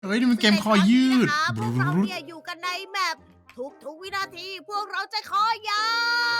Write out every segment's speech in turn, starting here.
ฮ้ยนี่มันเกมคอยืดพวกเราเนี่ยอยู่กันในแมปทุกวินาทีพวกเราจะคอยาว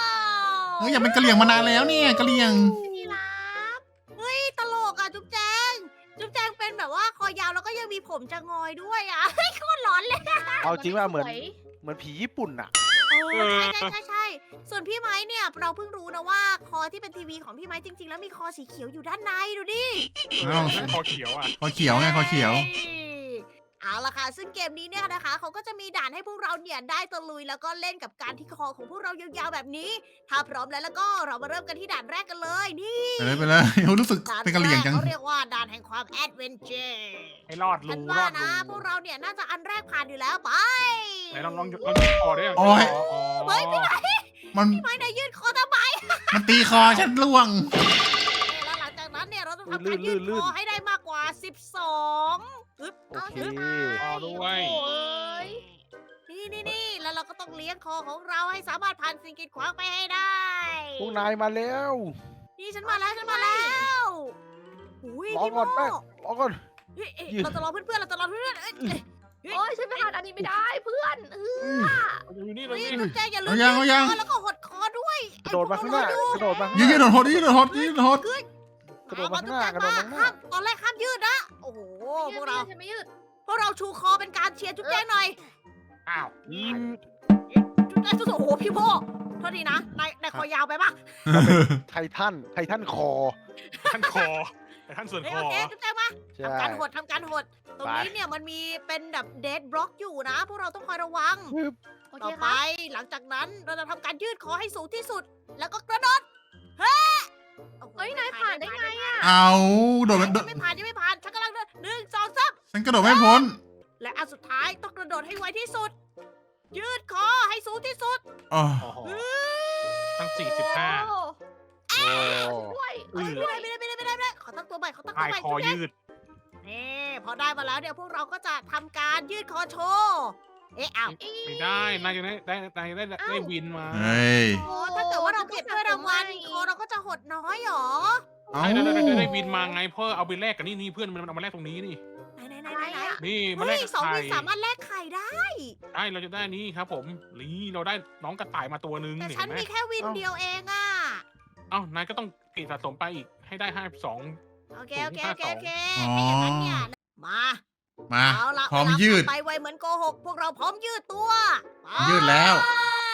เฮ้ยอยากเป็นกะเหรี่ยงมานานแล้วเนี่ยกะเหรี่ยงนี่ครับเฮ้ยตลกอ่ะจุ๊บแจงเป็นแบบว่าคอยาวแล้วก็ยังมีผมจะงอยด้วยอ่ะเฮ้ยโคตรหลอนเลยเอาจริงว่าเหมือนผีญี่ปุ่นอะใช่ ส่วนพี่ไม้เนี่ยเราเพิ่งรู้นะว่าคอที่เป็นทีวีของพี่ไม้จริงๆแล้วมีคอสีเขียวอยู่ด้านในดูดิอ้าวคอเขียวอ่ะคอเขียวไงคอเขียวเอาล่ะค่ะซึ่งเกมนี้เนี่ยนะคะเขาก็จะมีด่านให้พวกเราเนี่ยได้ตะลุยแล้วก็เล่นกับการที่คอของพวกเรายาวๆแบบนี้ ถ้าพร้อมแล้วก็เรามาเริ่มกันที่ด่านแรกกันเลยนี่ไปเลยรู้สึกด่านเป็นกะเหรี่ยงจังเขาเรียกว่าด่านแห่งความแอดเวนเจอร์ให้รอดฉัรูนรว่าอดนะพรูวกเราเนี่ยน่าจะอันแรกผ่านอยู่แล้วไปไหนลองยืดคอได้ยังโอ้ยเฮ้ยพี่ไม้มันพี่ไม้เนี่ยยืดคอทำไมมันตีคอฉันร่วงแล้วหลังจากนั้นเนี่ยเราต้องทำการยืดคอให้ได้มากกว่า 12อึ๊บโอเคคอด้วยโอ้ยนี่แล้วเราก็ต้องเลี้ยงคอของเราให้สามารถผ่านสิ่งกีดขวางไปให้ได้พวกนายมาแล้วนี่ฉันมาแล้วอุ้ยรอพี่โมก่อนแป้งรอก่อนเฮ้ยเราจะรอเพื่อนๆเอ้ยโอ้ยฉันไม่ผ่านอันนี้ไม่ได้เพื่อนอยู่นี่เลเฮ้ยยนี่จุ๊บแจงอย่าลืมเอายังคอแล้วก็หดคอด้วยกระโดดมาข้างหน้ากระโดดมาข้างหยืน้าดหดยืดหดกระโดดมาข้างหน้ากระโดดมาข้างหน้าห้ามตอนแรกห้ามยืดนะโอ้โหพวกเราฉันไม่ยืดชูคอเป็นการเชียร์จุ๊บแจงหน่อยอ้าวยืดจุ๊บแจงโอ้โหพี่โมโทษทีนะนายคอยาวไปปะไททันคอท่านคอแต่ท่านส่วนคโออเคจุ๊บแจงมาใช่ทำการหดตรงนี้เนี่ยมันมีเป็นแบบเดดบล็อกอยู่นะ พวกเราต้องคอยระวังโอเคต่อคไปรับหลังจากนั้นเราจะทำการยืดคอให้สูงที่สุด แล้วก็กระโดดเฮ้โอ้โหเฮ้ยนายผ่านได้ไงอ่ะเอาโดดยังไม่ผ่านฉันกำลังเดิน1 2 3 ฉันกระโดดไม่พ้นและอันสุดท้ายต้องกระโดดให้ไวที่สุด ยืดคอให้สูงที่สุดอ๋อโอ้โหทั้ง45 โอ้โอ้ด้วยอือไม่ได้ขอตั้งตัวใหม่พายคอยืดนี่พอได้มาแล้วเดี๋ยวพวกเราก็จะทำการยืดคอโชว์อ้าวไม่ได้นายจะได้วินมาเฮ้ยโอ้ถ้าเกิดว่าเราเก็บถ้วยรางวัลคอเราก็จะหดน้อยหรอเอาได้วินมาไงเพื่อเอาไปแลกกับนี่เพื่อนมันเอามาแลกตรงนี้นี่ไหนนี่มาเฮ้แลยกกับ 2 ไข่วินสามารถแลกไข่ได้ได้เราจะได้นี่ครับผมนี่เราได้น้องกระต่ายมาตัวนึงแต่เห็ฉันนไหมมีแค่วินเดียวเองอ่ะเอ้านายก็ต้องเก็บสะสมไปอีกให้ได้52 โอเคถ้าอย่างนั้นเนี่ยมามาเอาละพร้อมยืดไปไวเหมือนโกหก พวกเราพร้อมยืดตัวไปยืดแล้วใช่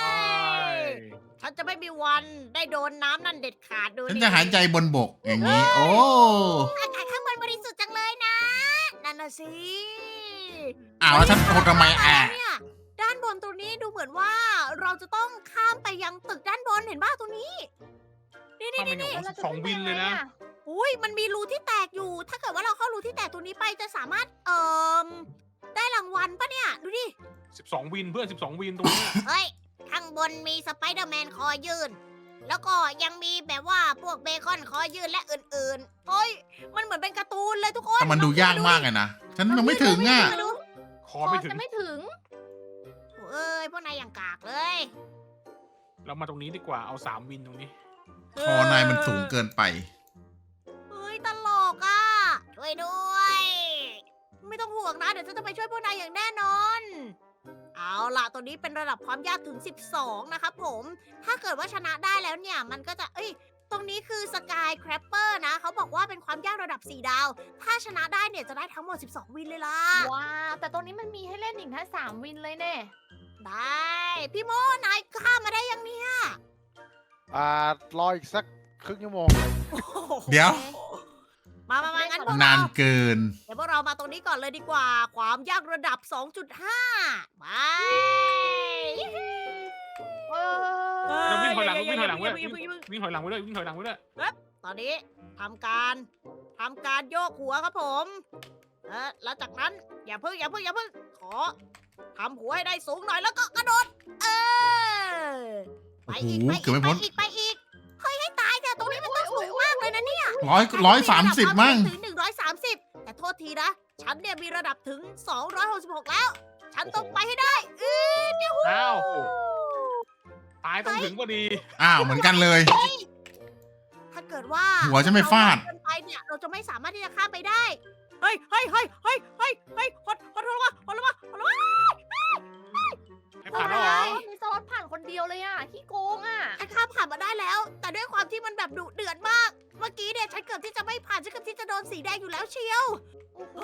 ฉันจะไม่มีวันได้โดนน้ำนั่นเด็ดขาดดูฉันจะหายใจบนบกอย่างนี้ โอ้อากาศข้างบนบริสุทธิ์จังเลยนะ นั่นน่ะสิอ้าวแล้วฉันหดทำไมอ่ะเนี่ยด้านบนตรงนี้ดูเหมือนว่าเราจะต้องข้ามไปยังตึกด้านบนเห็นป่ะตรงนี้ นี่ทำไมหนูแล้วจะ 2 วินเลยนะอุ้ยมันมีรูที่แตกอยู่ ถ้าเกิดว่าเราเข้ารูที่แตกตรงนี้ไปจะสามารถได้รางวัลปะเนี่ย ดูดิ 12 วินเพื่อน12 วินตรงเนี้ยเฮ้ย ข้างบนมีสไปเดอร์แมนคอยืน แล้วก็ยังมีแบบว่าพวกเบคอนคอยืนและอื่นๆเฮ้ย มันเหมือนเป็นการ์ตูนเลยทุกคนแต่มันดูยากมากเลยนะ ฉันยังไม่ถึงอ่ะมาดูคอไม่ถึงจะไม่ถึงเอ้ย พวกนายอย่างกากเลยเรามาตรงนี้ดีกว่าเอา3 วินตรงนี้คอนายมันสูงเกินไปเฮ้ย ตลกอ่ะ ช่วยด้วย ไม่ต้องห่วงนะ เดี๋ยวฉันจะไปช่วยพวกนายอย่างแน่นอน เอาล่ะ ตัวนี้เป็นระดับความยากถึง 12 นะครับผม ถ้าเกิดว่าชนะได้แล้วเนี่ย มันก็จะ ตรงนี้คือสกายแครปเปอร์นะ เขาบอกว่าเป็นความยากระดับ 4 ดาว ถ้าชนะได้เนี่ยจะได้ทั้งหมด 12 วินเลยล่ะว้าแต่ตรงนี้มันมีให้เล่นอีกแค่3 วินเลยแน่ได้ พี่โมนายข้ามมาได้ยังเนี่ยรออีกสักครึ่งชั่วโมงเดี๋ยวมางั้นพวกนาเรานเกินเดี๋ยวพวกเรามาตรงนี้ก่อนเลยดีกว่า ความยากระดับ 2.5 ไปเราวิ่งถอยหลังวิ่งถอยหลังอเว้ยย่าเพิ่งวิ่งถอยหลังไว้ด้วยวิ่งถอยหลังไว้ด้วยตอนนี้ทำการโยกหัวครับผม แล้วจากนั้นอย่าเพิ่งขอทำหัวให้ได้สูงหน่อยแล้วก็กระโดด ไปอีกโอ้โหไปเกือบไม่พ้นอีกเฮ้ยให้ตายเถอะตรงนี้มันต้องสูงมากเลยนะเนี่ย 130มั้งถึง130 แต่โทษทีนะ ฉันเนี่ยมีระดับถึง 266 แล้ว ฉันต้องไปให้ได้เนี่ยอ้าวตายต้องถึงพอดีอ้าวเหมือนกันเลยถ้าเกิดว่าหัวจะไม่ฟาดเรเกินไปเนี่ยเราจะไม่สามารถที่จะข้ามไปได้ เฮ้ยขอโทษนสีแดงอยู่แล้วเชียวโอ้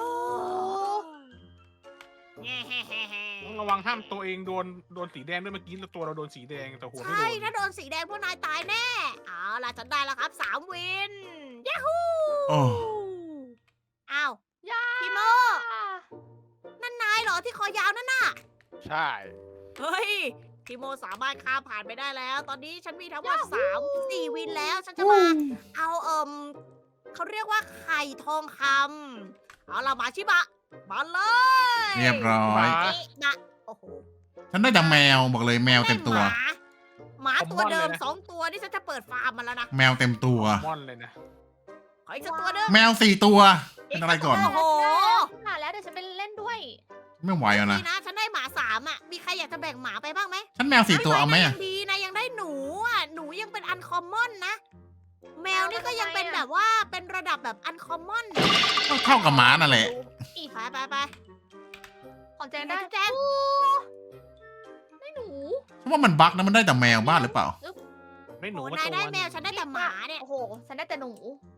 ต้องระวังห้ามตัวเองโดนสีแดงด้วยเมื่อกี้แล้วตัวเราโดนสีแดงแต่หัวไม่ใช่โดนถ้าโดนสีแดงพวกนายตายแน่ เอาล่ะฉันได้แล้วครับ3 วินยาฮูโอ้อ้าวยาพี่โม นั่นนายเหรอที่คอยาวนั่นน่ะใช่เฮ้ยพี่โมสามารถข้ามผ่านไปได้แล้ว ตอนนี้ฉันมีทั้งหมด4 วินแล้ว ฉันจะมาเอาเขาเรียกว่าไข่ทองคำเอาล่ะมาชิบะมาเลยเรียบร้อยนี่นะโอ้โหฉันได้แต่แมวบอกเลยแมวเต็มตัวหมาตัวเดิม2 ตัวนี่ฉันจะเปิดฟาร์มมันแล้วนะแมวเต็มตัวม่อนเลยนะขออีกสักตัวหนึงแมว4 ตัว เป็นอะไรก่อนโอ้โหผ่านแล้วเดี๋ยวฉันไปเล่นด้วยไม่ไหวแล้วนะนี่นะฉันได้หมา3อ่ะ มีใครอยากจะแบ่งหมาไปบ้างไหมฉันแมว4 ตัวเอาไหมนายอะยังดีนะยังได้หนูอ่ะ หนูยังเป็นอันคอมมอนนะ แมวนี่ก็ยังเป็นแบบว่าเป็นระดับแบบอันคอมมอนเท่ากับหมานั่นแหละอีกไปของแจงได้แจ้งโอ้ไม่หนูเพราะว่ามันบั๊กนะมันได้แต่แมวบ้านหรือเปล่าไม่หนูโอ้มานาตัยว ได้แมวนึงฉันได้แต่หมาเนี่ยโอ้โห ฉันได้แต่หนู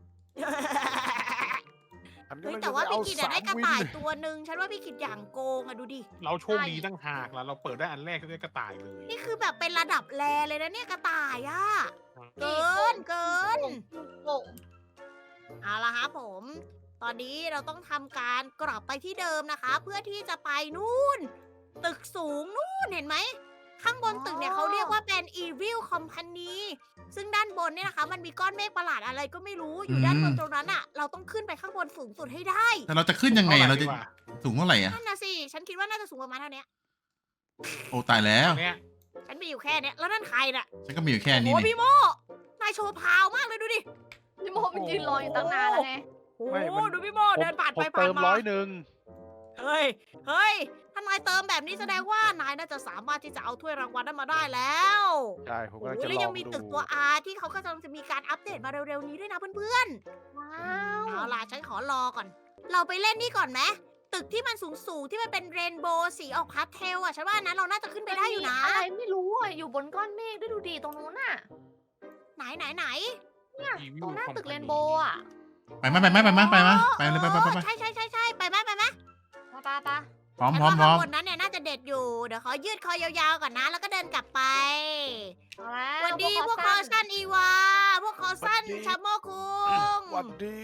อันนี้เฮ้ยมันแต่จะว่าไปเอาพี่กิดอะได้กระ 3 วินต่ายตัวหนึ่งฉันว่าพี่กิดอย่างโกงอะดูดิเราโชคดีตั้งหากแล้วเราเปิดได้อันแรกก็ได้กระต่ายเลยนี่คือแบบเป็นระดับแรเลยนะเนี่ยกระต่ายอะเกินโอ้เอาละครับผม ตอนนี้เราต้องทำการกลับไปที่เดิมนะคะ เพื่อที่จะไปนู่น ตึกสูงนู่นเห็นไหม ข้างบนตึกเนี่ยเขาเรียกว่าเป็น Evil Company ซึ่งด้านบนเนี่ยนะคะ มันมีก้อนเมฆประหลาดอะไรก็ไม่รู้อยู่ด้านบนตรงนั้นอะเราต้องขึ้นไปข้างบนสูงสุดให้ได้แต่เราจะขึ้นยังไงเราจะดีกว่าสูงเท่าไหร่อะนั่นนะสิ ฉันคิดว่าน่าจะสูงประมาณเท่านี้โอ้ตายแล้วเนี่ยฉันมีอยู่แค่เนี้ยแล้วนั่นใครน่ะฉันก็มีอยู่แค่โอ้นี้โหนี่พี่โมนายโชว์พาวมากเลยดูดิพี่โมมันยืนรออยู่ตั้งนานแล้วไงโอ้ไม่โหมันดูพี่โมผมเดินผ่านผไปมผ่าเตินมมา 100 เฮ้ยถ้านายเติมแบบนี้แสดงว่านายน่าจะสามารถที่จะเอาถ้วยรางวัลนั้นมาได้แล้วใช่ผมโอ้กำลังจะแล้วลยัอง งมีดูตึกตัว R ที่เขาก็กำลังจะมีการอัปเดตมาเร็วๆนี้ด้วยนะเพื่อนว้าๆวเอาล่ะฉันขอรอก่อน เราไปเล่นนี่ก่อนไหมตึกที่มันสูงๆที่มันเป็นเรนโบว์สีออกพาสเทลอ่ะฉันว่านั้นเราน่าจะขึ้นไปได้อยู่นะอะไรไม่รู้อ่ะ อยู่บนก้อนเมฆด้วยดูดีตรงนู้นน่ะไหนอีวิตวรงหน้าคอมตึกพาเรนีนโบว์อ่ะไปไหมไปไหมไปไหมไปไหมไปเลยไปไปไปไปใช่ไปไหมปะพร้อมฉันพร้อมว่าพร้อข้าม งบนนั้นเนี่ยน่าจะเด็ดอยู่ เดี๋ยวขอยืดคอยาวๆก่อนนะ แล้วก็เดินกลับไปเอาแล้วสวัสดีพวกคอสั้นอีวา พวกคอสั้นชาโมคุงหวัดดี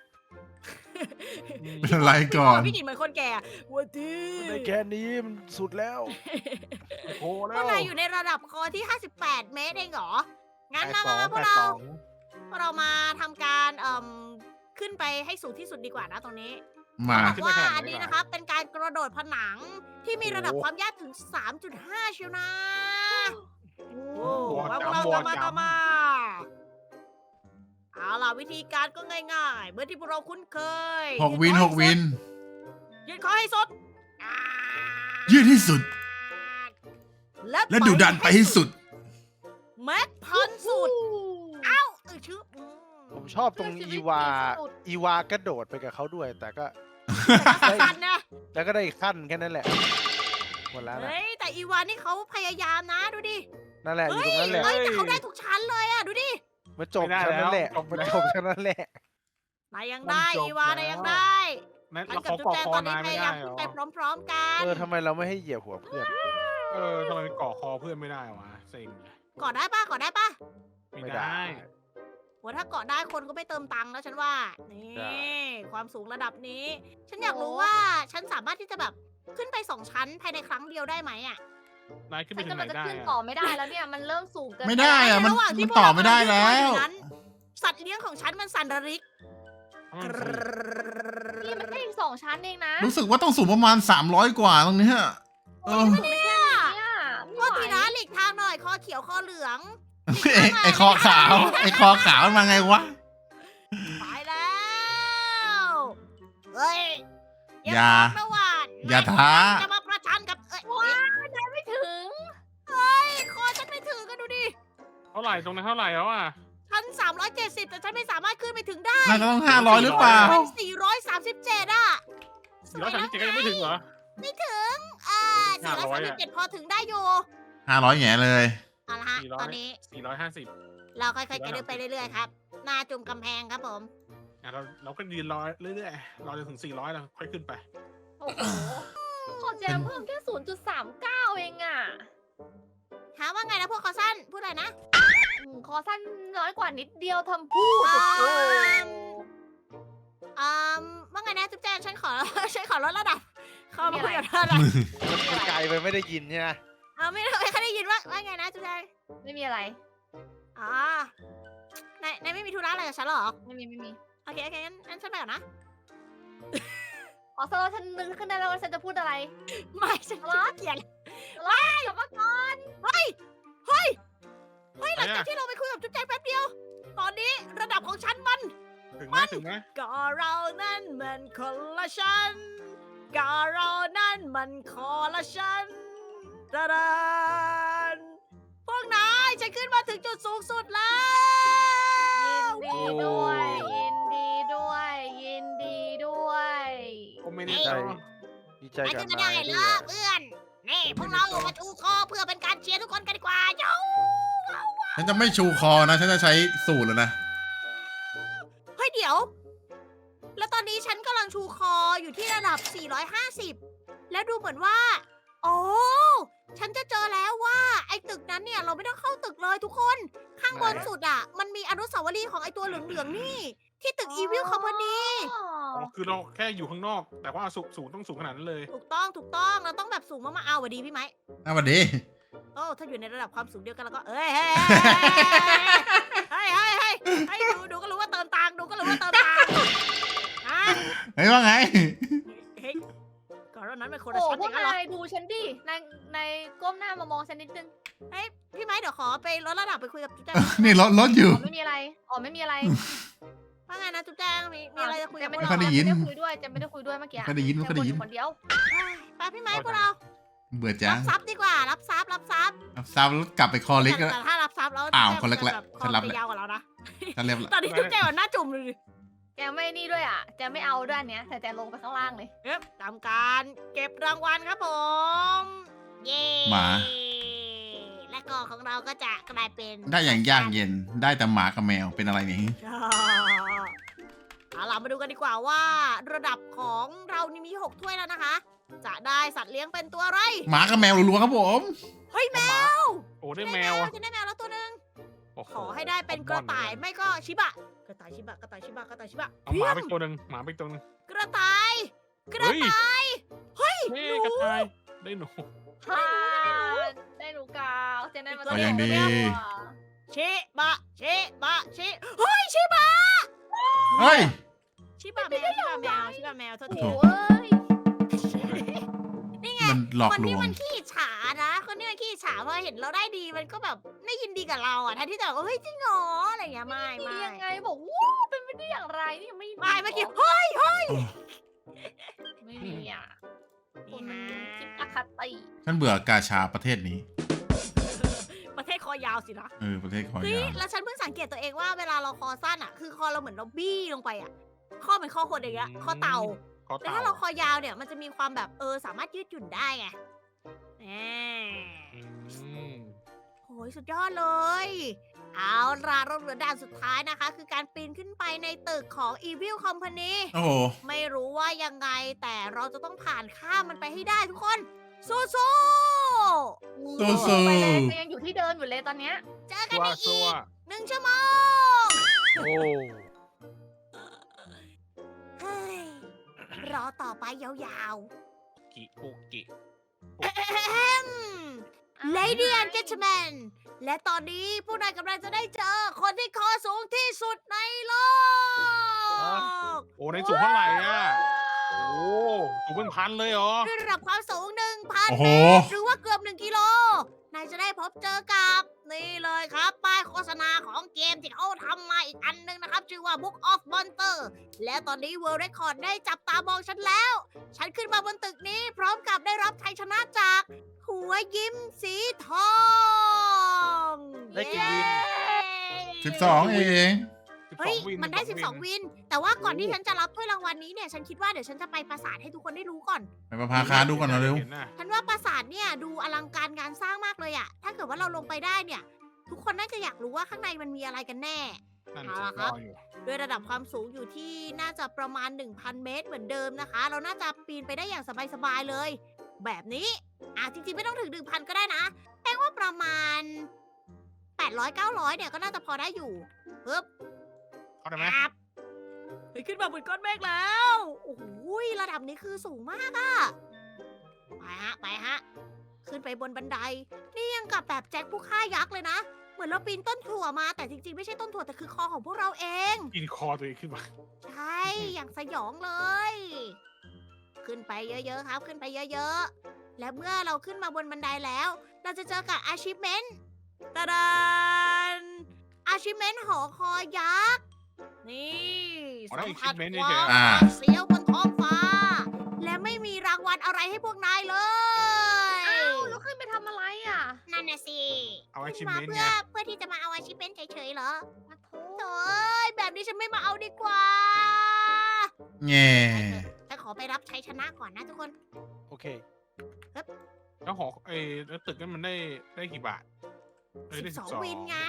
เป็นอะไรก่อนพี่กินเหมือนคนแก่สวัสดีในแค่นี้มันสุดแล้วโอ้โหพแล้วกนายอยู่ในระดับคอที่ 58 เมตรเองเหรอ งั้นมาพวกเรามาทำการขึ้นไปให้สูงที่สุดดีกว่านะตรงนี้มาบอกว่าอันนี้นะครับเป็นการกระโดดผนังที่มีระดับความยากถึง 3.5 เชียวนะโอ้ตัวมาพวกจำเราตัวตามมาจตามมา เอาล่ะวิธีการก็ง่ายๆเหมือนที่พวกเราคุ้นเคย 6 วิน 6 วินยืดคอให้สุดยืดที่สุด และดุดันไปให้สุดแม็กพันสุด เอ้าชื่อผมชอบตรงอีวากระโดดไปกับเขาด้วย แต่ก็สันนะแล้วก็ได้อีกขั้นแค่นั้นแหละหมดแล้วนะเฮ้ยแต่อีวานนี่เขาพยายามนะดูดินั่นแหละอยู่เฮ้ยตรงนั้นแหละเฮ้ยแต่เขาได้ทุกชั้นเลยอะดูดิมาจบแค่นั้นแหละมาจบแค่นั้นแหละนายยังได้มันจบอีวานายยังได้นั่นฉันเรากับเขาจุ๊บเกาะแจงคอตอนนี้นายพไม่ยายามได้เหรขึ้นอไปพร้อมๆกันทำไมเราไม่ให้เหยียบหัวเพื่อนทำไมเกาะคอเพื่อนไม่ได้วะเซ็งกอดได้ปะกอดได้ปะไม่ได้โหถ้าเกาะได้คนก็ไม่เติมตังค์แล้วฉันว่า นี่ความสูงระดับนี้ ฉันอยากรู้ว่าฉันสามารถที่จะแบบขึ้นไป2 ชั้นภายในครั้งเดียวได้ไหมอะนายขึ้นไปฉันถึงกำไหลันงจะได้ขึ้นอะต่อไม่ได้แล้วเนี่ย มันเริ่มสูงเกินไม่ได้อะในระหว่างที่มันพวกต่อเราไม่ได้แล้วอยู่นั้น สัตว์เลี้ยงของฉันมันสั่นระริกมันสูงนี่มันแค่อีก2 ชั้นเองนะรู้สึกว่าต้องสูงประมาณ 300 กว่าตรงเนี้ยเออเนี่ยโทษทีนะหลีกทางหน่อยคอเขียวคอเหลืองไอคอขาว ไอคอขาวมันมาไงวะไปแล้วเฮ้ยอย่าบอกนะว่าอย่าท้าจะมาประชันกับว้ายได้ไม่ถึงคอฉันไม่ถึงกันดูดิเท่าไหร่ตรงนั้นเท่าไหร่แล้วอ่ะฉัน370แต่ฉันไม่สามารถขึ้นไปถึงได้น่าจะต้อง 500 หรือเปล่ามัน437อ่ะ 437ก็ยังไม่ถึงเหรอไม่ถึง437พอถึงได้อยู่ 500แง่เลยเอาละฮะ 400 ตอนนี้ 450 เราค่อยๆกระดึบไปเรื่อยๆครับ หน้าจุ่มกำแพงครับผมเราก็ยืนรอเรื่อยๆรอจนถึง400แล้วค่อยขึ้นไปโอ้โหของแจมเพิ่มแค่ 0.39 เองอ่ะถามว่าไงนะพวกคอสั้นพูดอะไรนะคอสั้นน้อยกว่านิดเดียวทำพูดว่าไงนะจุ๊บแจงฉันขอ ฉันขอลดระดับเข้ามาคุยกับเธอหน่อยมันไกลไปไม่ได้ยินใช่ไหมไม่เคยได้ยินว่าไงนะจุ๊บแจงไม่มีอะไรอ๋อนายไม่มีธุระอะไรกับฉันหรอไม่มีโอเคงั้นฉันไปก่อนนะอ๋อสำหรับฉันนึกขึ้นได้แล้วว่าฉันจะพูดอะไรไม่ฉันขี้เกียจกลับมาก่อนเฮ้ยหลังจากที่เราไปคุยกับจุ๊บแจงแป๊บเดียว ตอนนี้ระดับของฉันมันถึงไหมก็เรานั่นมันคนละชั้นก็เรานั่นมันคนละชั้นดาดานพวกนายฉันขึ้นมาถึงจุดสูงสุดแล้วยินดีด้วยยินดีด้วยยินดีด้วยโอเมนิโตดีใจไปกับขึ้นมานาได้ยเหรด้วอย เพื่อนนี่พวกเรามาชูคอเพื่อเป็นการเชียร์ทุกคนกันดีกว่าเจ้าฉันจะไม่ชูคอนะ ฉันจะใช้สูตรแล้วนะเฮ้ยเดี๋ยว แล้วตอนนี้ฉันกำลังชูคออยู่ที่ระดับ 450 แล้วดูเหมือนว่า โอ้ฉันจะเจอแล้วว่าไอ้ตึกนั้นเนี่ยเราไม่ต้องเข้าตึกเลยทุกคน ข้างบนสุดอ่ะ มันมีอนุสาวรีย์ของไอ้ตัวเหลืองๆนี่ ที่ตึก Evil Company คือเราแค่อยู่ข้างนอก แต่ว่าสูงต้องสูงขนาดนั้นเลยถูกต้องเราต้องแบบสูงมากๆเอาสวัสดีพี่ไหมสวัสดีโอ้ถ้าอยู่ในระดับความสูงเดียวกันแล้วก็เอ้ยเฮ้ยดูก็รู้ว่าเติมตังค์ดูก็รู้ว่าเติมตังค์อ่ะเฮ้ยว่าไงเฮ้ยก่อนหน้านั้นเป็นคนโอ้ละชั้นพอวกย่างนั้นเหรอนายดูฉันดินายก้มหน้ามามองฉันนิดนึงเฮ้ยพี่ไม้เดี๋ยวขอไปลดระดับไปคุยกับจุ๊บแจงนี่รถอยู่อ๋อไม่มีอะไรไม่มีอะไรว่าไงนะจุ๊บแจงมีอะไรจะคุยกับไม่พวกค่เราอยได้ยินไม่ได้คุยด้วยจะไม่ได้คุยด้วยเมื่อกี้ไม่ได้ยินไม่ค่อยได้ยินแค่คนเดียวไปพี่ไม้พวกเราเบื่อจัรังบทรัพย์ดีกว่ารับทรัพย์รับซ้ำแล้วกลับไปคอเล็กแต่แล้วถ้ารับทรัพย์แล้วอ้าวจุ๊บคนแรกแจงฉันรับจะแล้วยาวกว่าเรานะฉันเรียบตอนนี้จุ๊บแจงแบบหน้าจุ่มเลยแกไม่นี่ด้วยอ่ะแกไม่เอาด้วยอันเนี้ยแต่แกลงไปข้างล่างเลยเอ๊ะทำการเก็บรางวัลครับผมเย้หมาและก็ของเราก็จะกลายเป็นได้อย่างยากเย็น ได้แต่หมากับแมวเป็นอะไรเนี่ยเอาล่ะมาดูกันดีกว่าว่า ระดับของเรานี่มี 6 ถ้วยแล้วนะคะ จะได้สัตว์เลี้ยงเป็นตัวอะไรหมากับแมวรัวๆครับผมเฮ้ยแมวโอ้ได้แมวฉันได้แมวแล้วตัวหนึงโอ้โขอให้ได้เป็นกระต่ายไม่ก็ชิบะ กระต่ายชิบะเอาหมาไปตัวหนึ่งหมาไปตัวหนึ่งกระต่าย กระเฮ้ยต่าย เฮ้ยเฮ้หนูกระต่ายได้หนูได้หนูกาวเจนได้มาก็ยังดีชิบะเฮ้ยชิบะเฮ้ยชิบะแมวโทษทีโอ้ยนี่ไงมันหลอกคนลที่วงมันขี้อิจฉานะ คนที่มันขี้อิจฉาพอเห็นเราได้ดีมันก็แบบไม่ยินดีกับเราอ่ะแทนที่จะแบบเฮ้ยจริงเหรออะไรอย่างเงี้ยไม่ดียังไงบอกว้าวเป็นไปได้อย่างไรนี่ยังไม่เมื่อกี้เฮ้ยไม่มีอ่ะคุณนี่คิดฮะอคติฉันเบื่อกาชาประเทศนี้ประเทศคอยาวสินะประเทศคอยเฮ้ยยาวแล้วฉันเพิ่งสังเกตตัวเองว่าเวลาเราคอสั้นอ่ะคือคอเราเหมือนเราบี้ลงไปอ่ะข้อเป็นข้อคนอย่างเงี้ยข้อเต่าขอแต่เต่าถ้าเราคอยาวเนี่ยมันจะมีความแบบสามารถยืดหยุ่นได้ไงแหมอืมโหยสุดยอดเลย เอาล่ะเราเหลือด่านสุดท้ายนะคะ คือการปีนขึ้นไปในตึกของ Evil Company โอ้โหไม่รู้ว่ายังไงแต่เราจะต้องผ่านข้ามมันไปให้ได้ทุกคน สู้สู้ไปเลยแต่ยังอยู่ที่เดิมอยู่เลยตอนเนี้ยๆเจอกันซัวในซัอีวก1 ชั่วโมงโอ้เฮ้ย รอต่อไปยาวกิปุกิๆ Lady and Gentlemen และตอนนี้ผู้นายกำลังจะได้เจอคนที่คอสูงที่สุดในโลกโอ้ในสูงเท่าไหร่อ่ะโอ้สูงเป็นพันเลยเหรอด้วยระดับความสูง 1,000 โอ้โหเมตร หรือว่าเกือบ 1 กิโล นายจะได้พบเจอกับนี่เลยครับ ป้ายโฆษณาของเกมที่เขาทำมาอีกอันหนึงนะครับ ชื่อว่า Book of Monster และตอนนี้ World Record ได้จับตามองฉันแล้ว ฉันขึ้นมาบนตึกนี้พร้อมกับได้รับชัยชนะจาก หัวยิ้มสีทองได้กี่วินเย้ 12 เองเฮ้ยวินมันได้ 12 วิน แต่ว่าก่อนที่ฉันจะรับถ้วยรางวัลนี้เนี่ย ฉันคิดว่าเดี๋ยวฉันจะไปปราสาทให้ทุกคนได้รู้ก่อนไปประพาคาดูก่อนหน่อยเร็วห็ะฉันว่าปราสาทเนี่ยดูอลังการงานสร้างมากเลยอะถ้าเกิดว่าเราลงไปได้เนี่ย ทุกคนน่าจะอยากรู้ว่าข้างในมันมีอะไรกันแน่นั่นเอาสิล่ะรครับออยู่ด้วยระดับความสูงอยู่ที่น่าจะประมาณ 1,000 เมตรเหมือนเดิมนะคะ เราน่าจะปีนไปได้อย่างสบายๆเลย แบบนี้จริงๆไม่ต้องถึง 1,000 ก็ได้นะแป้งว่าประมาณ 800-900 เนี่ยก็น่าจะพอได้อยู่ปึ๊บเข้าได้ไหมครับเฮ้ยขึ้นมาบนก้อนเมฆแล้ว โอ้โหระดับนี้คือสูงมากอะไปฮะ ขึ้นไปบนบันได นี่ยังกับแบบแจ็คผู้ฆ่ายักษ์เลยนะ เหมือนเราปีนต้นถั่วมา แต่จริงๆไม่ใช่ต้นถั่วแต่คือคอของพวกเราเองกินคอตัวเองขึ้นมาใช่ อย่างสยองเลย ขึ้นไปเยอะๆครับ ขึ้นไปเยอะๆ และเมื่อเราขึ้นมาบนบันไดแล้ว เราจะเจอกับ achievement ตะดาน achievement หอคอยยักษ์ นี่อ๋อได้สัมผัส achievement ควาเฉยมๆอ่าเสียวบนท้องฟ้า และไม่มีรางวัลอะไรให้พวกนายเลยอ้าวแล้วขึ้นไปทำอะไรอ่ะนั่นน่ะสิเอาขึ้นมา achievement เพื่ไงอที่จะมาเอา achievement เฉยๆเหรอมาโทโถ่ยแบบนี้ฉันไม่มาเอาดีกว่าแง่ฉันขอไปรับชัยชนะก่อนนะทุกคนโอเคแล้วหอแล้วตึกนั้นมันได้กี่บาทได้ 12 วินไง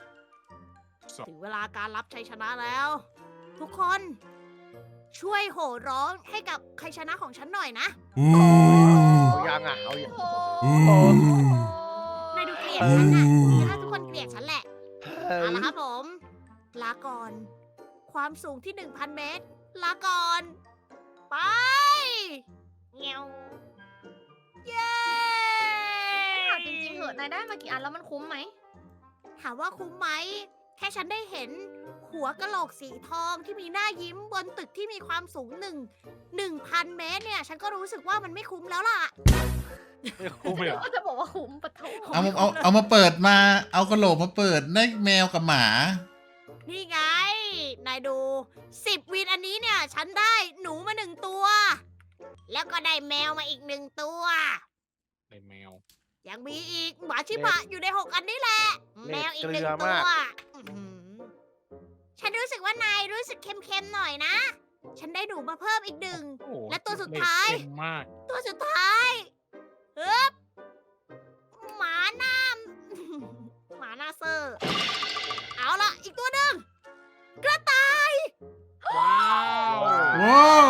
12 ถึงเวลาการรับชัยชนะแล้ว ทุกคนช่วยโห่ร้องให้กับชัยชนะของฉันหน่อยนะอู้เอายังอ่ะ เอายังโอ้อู้โหนายดูเกลียดฉันน่ะถ้าทุกคนเกลียดฉันแหละ เอาละครับผม ลาก่อน ความสูงที่ 1,000 เมตร ลาก่อน ไปเงี้ยวเย้ถามจริงๆเหอะนายได้มากี่อันแล้วมันคุ้มไหมถามว่าคุ้มไหม แค่ฉันได้เห็นหัวกะโหลกสีทองที่มีหน้ายิ้มบนตึกที่มีความสูง1,000 เมตรเนี่ย ฉันก็รู้สึกว่ามันไม่คุ้มแล้วล่ะไม่คุ้มเลยเหรอก็จะบอกว่าคุ้มปะโถเอามาเปิดมา เอากระโหลกมาเปิดได้แมวกับหมานี่ไง นายดู 10 วินอันนี้เนี่ย ฉันได้หนูมา1 ตัว แล้วก็ได้แมวมาอีก1 ตัวในแมวยังมีอีกหมาชิบะอยู่ใน 6 อันนี้แหละ แมวอีกเกลื 1 อตัมากวอื้อหือฉันรู้สึกว่านายรู้สึกเค็มๆหน่อยนะ ฉันได้หนูมาเพิ่มอีกโอ้โหและตัวสุดท้ายเค็มมาก 1 ตัวสุดท้ายฮึบหมาหน้า หมาหน้าเซอร์ เอาละอีกตัวหนึ่งกระต่ายว้าวว้าว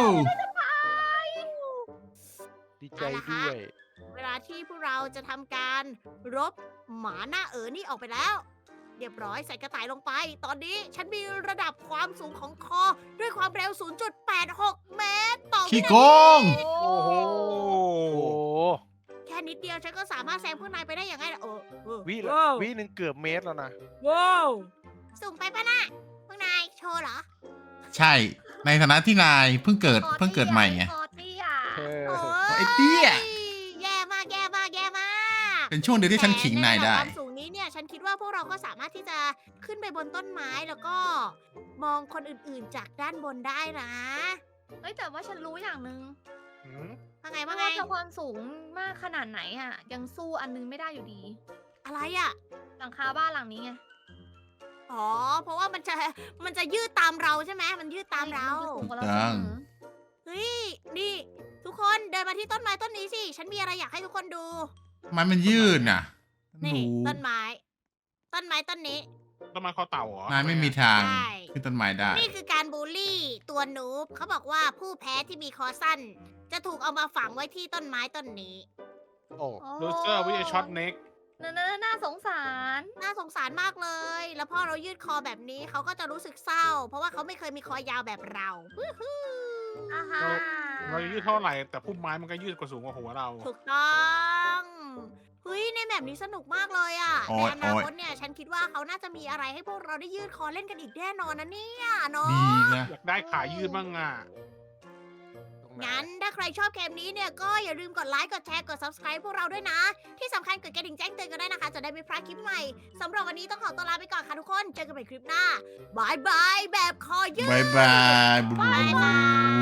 ดีใจด้วยเวลาที่พวกเราจะทำการรบหมาหน้านี่ออกไปแล้ว เรียบร้อยใส่กระต่ายลงไป ตอนนี้ฉันมีระดับความสูงของคอด้วยความเร็ว 0.86 เมตรต่อวิขี้นาโกทีงโอ้โหโอ้โหแค่นิดเดียวฉันก็สามารถแซงพวกนายไปได้อย่างไงล่ะวิว้าววิหนึ่งเกือบเมตรแล้วนะว้าวสูงไปปะน่ะพวกนายโชว์เหรอใช่ ในฐานะที่นายเพิ่งเกิดใหม่ไงคอเตี้ยเออโอ้ไอ้เตี้ยแย่มากแย่มากแย่มากเป็นช่วงเดียวที่ฉันขิงนายได้แต่ในระดับความสูงนี้เนี่ย ฉันคิดว่าพวกเราก็สามารถที่จะขึ้นไปบนต้นไม้แล้วก็มองคนอื่นๆจากด้านบนได้นะเฮ้ยแต่ว่าฉันรู้อย่างหนึ่งหืมว่าไงไม่ว่าไงว่าจะความสูงมากขนาดไหนอ่ะ ยังสู้อันนึงไม่ได้อยู่ดีอะไรอ่ะหลังคาบ้านหลังนี้ไงอ๋อ เพราะว่ามันจะยืดตามเราใช่ไหมมันยืดตามเรานจะสูงกว่าเราจังเสมอเฮ้ย นี่ ทุกคนเดินมาที่ต้นไม้ต้นนี้สิ ฉันมีอะไรอยากให้ทุกคนดูมันยืดน่ะนี่รู้ต้นไม้ ต้นไม้ต้นนี้ต้นไม้คอเต่าเหรอนายไม่มีทางใช่ขึ้นต้นไม้ได้นี่คือการบูลลี่ตัวนูบเขาบอกว่าผู้แพ้ที่มีคอสั้น จะถูกเอามาฝังไว้ที่ต้นไม้ต้นนี้โอ้ลูเซอร์วิทยช็อตเน็กน่าสงสารน่าสงสารมากเลย แล้วพอเรายืดคอแบบนี้เขาก็จะรู้สึกเศร้า เพราะว่าเขาไม่เคยมีคอยาวแบบเราวู้ฮู้อาฮะเรายืดเท่าไหร่แต่พุ่มไม้มันก็ยืดกว่าสูงกว่าหัวเราถูกต้องเฮ้ยในแบบนี้สนุกมากเลยอ่ะโอ๊ในยอนาคตเนี่ย ฉันคิดว่าเขาน่าจะมีอะไรให้พวกเราได้ยืดคอเล่นกันอีกแน่นอนนะเนี่ยเนาะดีนะอยากได้ขายืดบ้างอ่ะตรงไหนงั้นถ้าใครชอบเกมนี้เนี่ยก็อย่าลืมกดไลค์กดแชร์กด subscribe พวกเราด้วยนะ ที่สำคัญกดกระดิ่งแจ้งเตือนกันได้วยนะคะ จะได้ไม่พลาดคลิปใหม่สำหรับวันนี้ต้องขอตัวลาไปก่อนค่ะทุกคน เจอกันใหม่คลิปหน้าบายบายแบบคอยืดบายบายบุญบายบาย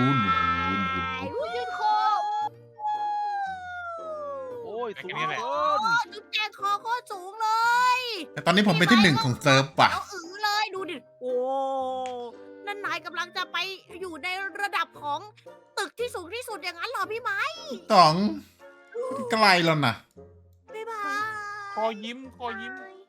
ยืดคอโอ้ยสูงแค่นี้แหละเกิโอ้นจุ๊บแจงคอโคตรสูงเลยแต่ตอนนี้ผมเป็นที่ 1 ของเซิร์ฟว่ะแล้วเลยดูดิ โอ้นั่นนายกำลังจะไปอยู่ในระดับของตึกที่สูงที่สุดอย่างนั้นเหรอพี่ไม้ต๋องไกลแล้วนะบ๊ายบายคอยิ้ม คอยิ้มบาย